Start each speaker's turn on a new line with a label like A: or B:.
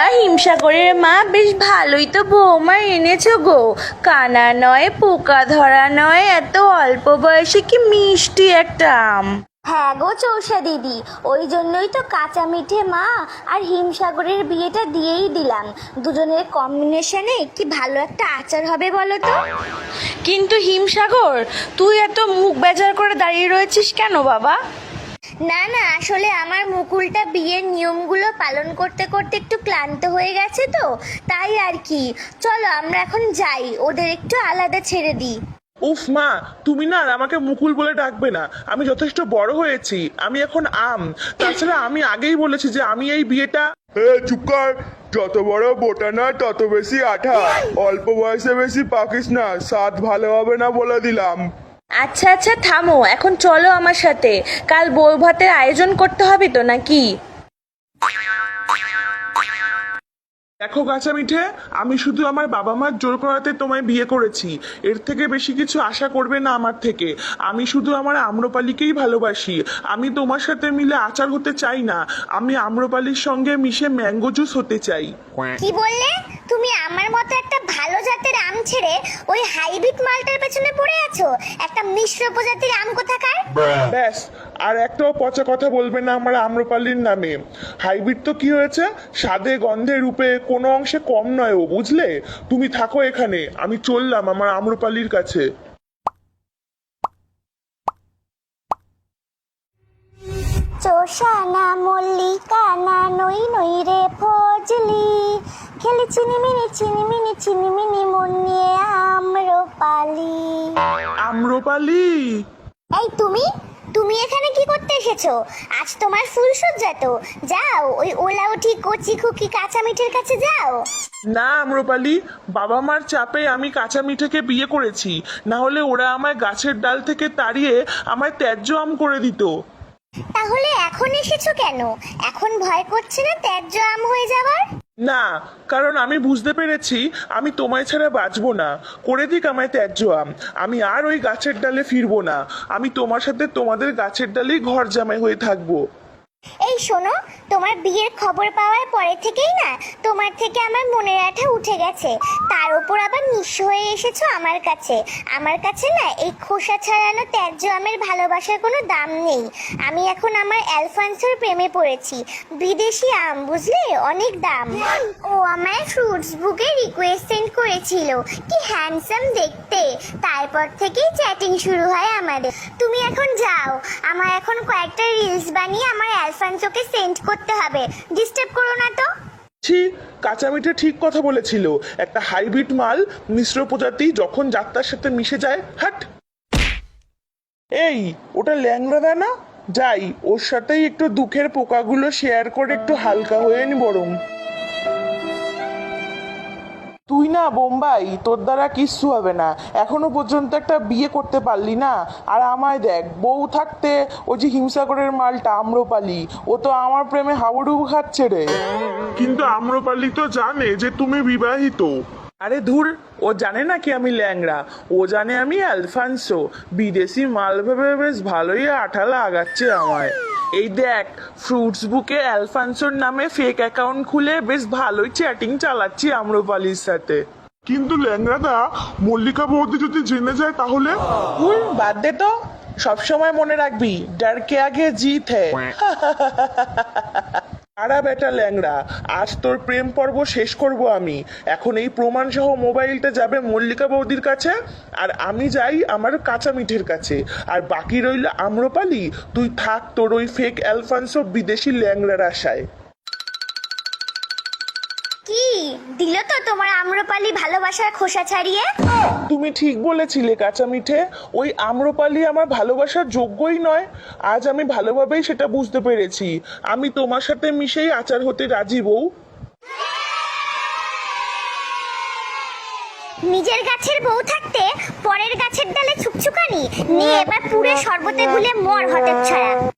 A: হিমসাগরের মা বেশ ভালোই তো বৌমা এনেছো গো। কানা নয়, পোকা ধরা নয়, এত অল্প বয়সে কি মিষ্টি একটা আম।
B: হ্যাঁ গো চৌষা দিদি, ওই জন্যই তো কাঁচা মিঠে মা আর হিমসাগরের বিয়েটা দিয়েই দিলাম। দুজনের কম্বিনেশনে কি ভালো একটা আচার হবে বলো তো।
A: কিন্তু হিমসাগর, তুই এত মুখ বেজার করে দাঁড়িয়ে রয়েছিস কেন বাবা?
B: না না, আসলে আমার মুকুলটা বিয়ের নিয়মগুলো পালন করতে করতে একটু ক্লান্ত হয়ে গেছে তো, তাই আর কি। চলো আমরা এখন যাই, ওদের একটু আলাদা ছেড়ে দিই।
C: উফ মা, তুমি না আর আমাকে মুকুল বলে ডাকবে না। আমি যথেষ্ট বড় হয়েছি, আমি এখন আম। তাছাড়া আমি আগেই বলেছি যে আমি এই বিয়েটা।
D: চুপ কর। যত বড় বোটা না তত বেশি আঠা। অল্প বয়সে বেশি পাকিস না, স্বাদ ভালো হবে না বলে দিলাম।
A: আচ্ছা আচ্ছা থামো, এখন চলো আমার সাথে। কাল বউ ভাতের আয়োজন করতে হবে তো নাকি?
C: দেখো কাঁচা মিঠে, আমি শুধু আমার বাবা মার জোর করাতে তোমায় বিয়ে করেছি। এর থেকে বেশি কিছু আশা করবে না আমার থেকে। আমি শুধু আমার আম্রপালিকেই ভালোবাসি। আমি তোমার সাথে মিলে আচার হতে চাই না। আমি আম্রপালির সঙ্গে মিশে ম্যাঙ্গো জুস হতে চাই।
B: কি বললে? তুমি আমার মতো একটা ভালো জাতের আম ছেড়ে ওই হাইব্রিড মালটার পেছনে পড়ে আছো? একটা মিশ্র প্রজাতির আম কোথাকার।
C: ব্যাস, আর একটাও পচা কথা বলবে না আমার আম্রপালির নামে। হাইব্রিড তো কি হয়েছে, স্বাদে গন্ধে রূপে কোনো অংশে কম নয় ও, বুঝলে? তুমি থাকো এখানে, আমি চললাম আমার আম্রপালির কাছে।
B: চোষানা মল্লিকা না নই নই রে ফজলি, খেলি চিনিমিনি চিনিমিনি চিনিমিনি মন নিয়ে আম্রপালি।
C: আম্রপালি,
B: এই তুমি তুমি এখানে কি করতে এসেছো? আজ তোমার ফুলসজ্জা তো, যাও ওই ওলাউঠি কচি খুকি কাঁচা মিঠের কাছে যাও।
C: না আম্রপালি, বাবা মার চাপে আমি কাঁচা মিঠেকে বিয়ে করেছি। না হলে ওরা আমায় গাছের ডাল থেকে তাড়িয়ে আমায় ত্যায্য আম করে দিত।
B: তাহলে এখন এসেছো কেন? এখন ভয় করছে না ত্যায্য আম হয়ে যাওয়ার?
C: না, কারণ আমি বুঝতে পেরেছি আমি তোমায় ছাড়া বাঁচবো না। করে দিক আমায় ত্যায্য আম, আমি আর ওই গাছের ডালে ফিরবো না। আমি তোমার সাথে তোমাদের গাছের ডালেই ঘর জামাই হয়ে থাকবো।
B: এই শোনো, তোমার বিয়ের খবর পাওয়ার পরে থেকেই না তোমার থেকে আমার মনের আঠা উঠে গেছে। তার উপর আবার নিঃস্ব হয়ে এসেছো আমার কাছে। আমার কাছে না এই খোসা ছাড়ানো ত্যায্য আমের ভালোবাসার কোনো দাম নেই। আমি এখন আমার অ্যালফান্সোর প্রেমে পড়েছি। বিদেশি আম, বুঝলে, অনেক দাম। ও আমায় ফ্রুটস বুকে রিকোয়েস্ট সেন্ড করেছিল, কি হ্যান্ডসাম দেখতে। তারপর থেকেই চ্যাটিং শুরু হয় আমাদের। তুমি এখন যাও, আমার এখন কয়েকটা রিলস বানিয়ে আমার অ্যালফান্সোকে সেন্ড করতে হবে। ডিস্টার্ব করো না তো।
C: ছি, কাঁচা মিঠে ঠিক কথা বলেছিল। একটা হাইব্রিড মাল, মিশ্র প্রজাতি যখন যাত্রার সাথে মিশে যায়, হাট। এই, ওটা ল্যাংড়া না? যাই, ওর সাথেই একটু দুঃখের পোকাগুলো শেয়ার করে একটু হালকা হয়ে নি বরং। তুই না বোম্বাই, তোর দ্বারা কিচ্ছু হবে না। এখনো পর্যন্ত একটা বিয়ে করতে পারলি না। আর আমায় দেখ, বউ থাকতে ওই যে হিমসাগরের মালটা আম্রপালি, ও তো আমার প্রেমে হাবুডুবু খাচ্ছে রে। কিন্তু আম্রপালি তো জানে যে তুমি বিবাহিত। আরে ধুর, ও জানে না কি আমি ল্যাংড়া। ও জানে আমি অ্যালফান্সো। বিদেশি মাল ভেবে বেশ ভালোই আঠা লাগাচ্ছে আমায়। এই দেখ, ফ্রুটস বুকে অ্যালফান্সোর নামে ফেক অ্যাকাউন্ট খুলে বেশ ভালোই চ্যাটিং চালাচ্ছি আম্রপালির সাথে। কিন্তু ল্যাংড়াদা, মল্লিকা বৌদি যদি জেনে যায় তাহলে? বাদ দে তো, সবসময় মনে রাখবি, ডর কে আগে জিত হ্যায়। আরা বেটা ল্যাংড়া, আজ তোর প্রেম পর্ব শেষ করব আমি। এখন এই প্রমাণ সহ মোবাইলটা যাবে মল্লিকা বৌদির কাছে, আর আমি যাই আমার কাঁচা মিঠের কাছে। আর বাকি রইল আম্রপালি, তুই থাক তোর ওই ফেক অ্যালফান্সো বিদেশি ল্যাংড়ার আশায়।
B: কি দিল তো তোমার আম্রপালি ভালোবাসার খোসা ছাড়িয়ে?
C: তুমি ঠিক বলেছিলে কাঁচা মিঠে, ওই আম্রপালি আমার ভালোবাসার যোগ্যই নয়। আজ আমি ভালোভাবেই সেটা বুঝতে পেরেছি। আমি তোমার সাথে মিশেই আচার হতে রাজি বউ।
B: নিজের গাছের বউ থাকতে পরের গাছের ডালে ছুকছুকানি নিয়ে এবার পুরে শরবতে গুলে মর হতে ছাড়া।